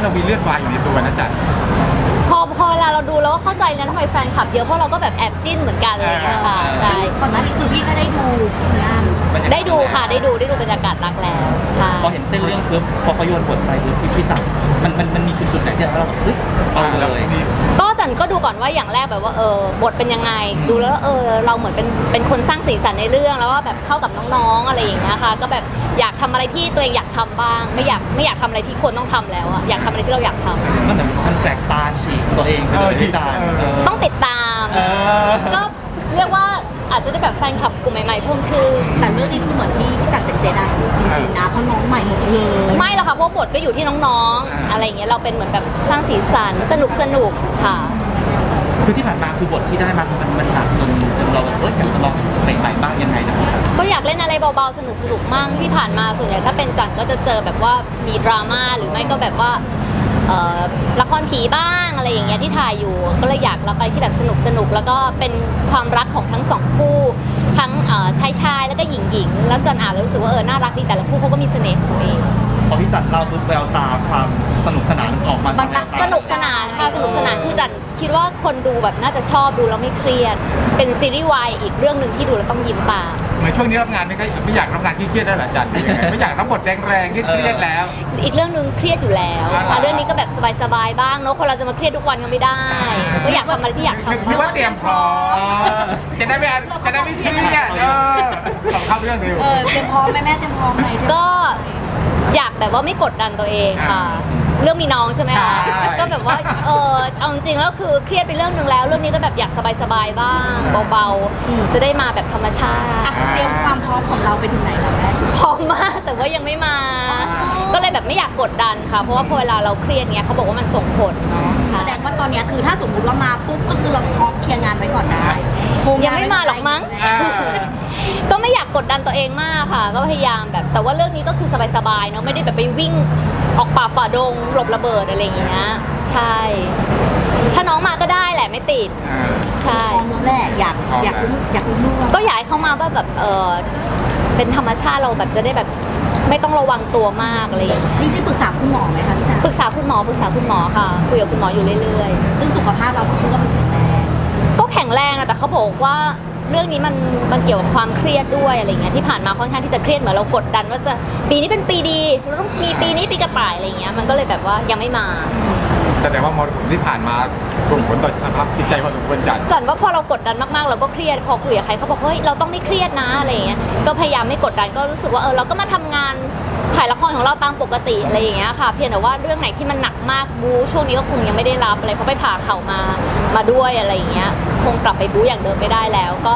เรามีเลือดวายอยู่ในตัวนะจ๊ะพอเวลาเราดูแล้วก็เข้าใจนะทำไมแฟนคลับเยอะเพราะเราก็แบบแอบจิ้นเหมือนกันเลยค่ะใช่ก่อนหน้านี้คือพี่ก็ได้ดูงานได้ดูค่ะได้ดูบรรยากาศรักแล้วใช่พอเห็นเส้นเรื่องปุ๊บพอเขาโยนบทไปปุ๊บพี่จับมันมีจุดไหนที่เราแบบเฮ้ยเอาเลยก็จันก็ดูก่อนว่าอย่างแรกแบบว่าบทเป็นยังไงดูแล้วเราเหมือนเป็นคนสร้างสีสันในเรื่องแล้วว่าแบบเข้ากับน้องๆอะไรอย่างเงี้ยค่ะก็แบบอยากทำอะไรที่ตัวเองอยากทำบ้างไม่อยากทำอะไรที่คนต้องทำแล้วอะอยากทำอะไรที่เราอยากทำมันเหมือนมันแปลกตาฉีกตัวเองไปเลยพี่จันต้องติดตามก็เรียกว่าอาจจะได้แบบแฟนคลับกลุ่มใหม่ๆเพิ่มขึ้นแต่เรื่องนี้คือเหมือนที่พี่จัดเป็นเจไดจริงๆนะเพราะน้องใหม่หมดเลยไม่หรอกค่ะเพราะบทก็อยู่ที่น้องๆอะไรอย่างเงี้ยเราเป็นเหมือนแบบสร้างสีสันสนุกค่ะคือที่ผ่านมาคือบทที่ได้มันหนักจนเราแบบอยากจะลองใหม่ๆบ้างยังไงนะก็อยากเล่นอะไรเบาๆสนุกมั่งที่ผ่านมาส่วนใหญ่ถ้าเป็นจันก็จะเจอแบบว่ามีดราม่าหรือไม่ก็แบบว่าละครผีบ้างอะไรอย่างเงี้ยที่ถ่ายอยู่ก็เลยอยากรับอะไรที่แบบสนุกแล้วก็เป็นความรักของทั้งสองคู่ทั้งชายแล้วก็หญิงแล้วจันอ่านแล้วรู้สึกว่าน่ารักดีแต่ละคู่เขาก็มีเสน่ห์ของตัวเองพอพี่จัดเราปุ๊บแววตาความสนุกสนานออกมาสนุกสนานค่ะสนุกสนานคือจันคิดว่าคนดูแบบน่าจะชอบดูแล้วไม่เครียดเป็นซีรีส์วายอีกเรื่องหนึ่งที่ดูแล้วต้องยิ้มตามเหมือนช่วงนี้รับงานไม่อยากรับงานที่เครียดแล้วเหรอจันไม่อยากรับบทแรงๆที่เครียดแล้วอีกเรื่องนึงเครียดอยู่แล้วเรื่องนี้ก็แบบสบายๆบ้างเนาะคนเราจะมาเครียดทุกวันก็ไม่ได้ก็อยากทำอะไรที่อยากทำนึกว่าเตรียมพร้อมจะได้ไม่เครียดของเข้าเรื่องเร็วเตรียมพร้อมไหมแม่เตรียมพร้อมไหมก็อยากแบบว่าไม่กดดันตัวเองค่ะเรื่องมีน้องใช่ไหมคะก็แบบว่าเอาจริงๆแล้วคือเครียดไปเรื่องนึงแล้วเรื่องนี้ก็แบบอยากสบายๆบ้างเบาๆจะได้มาแบบธรรมชาติเตรียมความพร้อมของเราไปถึงไหนแล้วแม่พร้อมมากแต่ว่ายังไม่มาก็เลยแบบไม่อยากกดดันค่ะเพราะว่าพอเวลาเราเครียดเงี้ยเขาบอกว่ามันส่งผลเนาะแสดงว่าตอนนี้คือถ้าสมมติว่ามาปุ๊บก็คือเราพร้อมเคลียร์งานไว้ก่อนได้ยังไม่มาหรอกมั้งก็ไม่อยากกดดันตัวเองมากค่ะก็พยายามแบบแต่ว่าเรื่องนี้ก็คือสบายๆเนาะไม่ได้แบบไปวิ่งออกป่าฝ่าดงหลบระเบิดอะไรอย่างเงี้ยใช่ถ้าน้องมาก็ได้แหละไม่ติดใช่พร้อมแล้วแหละอยากรู้ก็อยากให้เขามาแบบเป็นธรรมชาติเราแบบจะได้แบบไม่ต้องระวังตัวมากอะไรอย่างเงี้ยจริงๆปรึกษาคุณหมอไหมคะพี่จ๋าปรึกษาคุณหมอค่ะคุยกับคุณหมออยู่เรื่อยๆซึ่งสุขภาพเราก็แข็งแรงก็แข็งแรงนะแต่เขาบอกว่าเรื่องนี้มันเกี่ยวกับความเครียดด้วยอะไรเงี้ยที่ผ่านมาค่อนข้างที่จะเครียดเหมือนเรากดดันว่าจะปีนี้เป็นปีดีเราต้องมีปีนี้ปีกระต่ายอะไรเงี้ยมันก็เลยแบบว่ายังไม่มาแสดงว่ามรสุมที่ผ่านมาส่งผลต่อสภาพจิตใจพอสมควรจันว่าพอเรากดดันมากๆเราก็เครียดพอคุยกับใครเขาบอกเฮ้ยเราต้องไม่เครียดนะอะไรเงี้ยก็พยายามไม่กดดันก็รู้สึกว่าเราก็มาทำงานถ่ายละครของเราตามปกติอะไรอย่างเงี้ยค่ะเพียงแต่ว่าเรื่องไหนที่มันหนักมากบู๊ช่วงนี้ก็คงยังไม่ได้รับอะไรเพราะไปผ่าเข่ามาด้วยอะไรอย่างเงี้ยคงกลับไปบู๊อย่างเดิมไม่ได้แล้วก็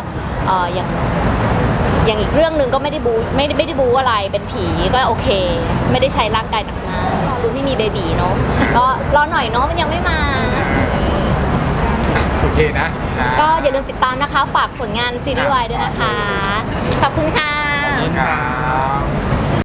อย่างอีกเรื่องหนึ่งก็ไม่ได้บู๊อะไรเป็นผีก็โอเคไม่ได้ใช้ร่างกายหนักมากรอดูที่มีเบบีเนาะก็รอหน่อยเนาะมันยังไม่มาโอเคนะก็อย่าลืมติดตามนะคะฝากผลงานซีรีส์วายด้วยนะคะขอบคุณค่ะ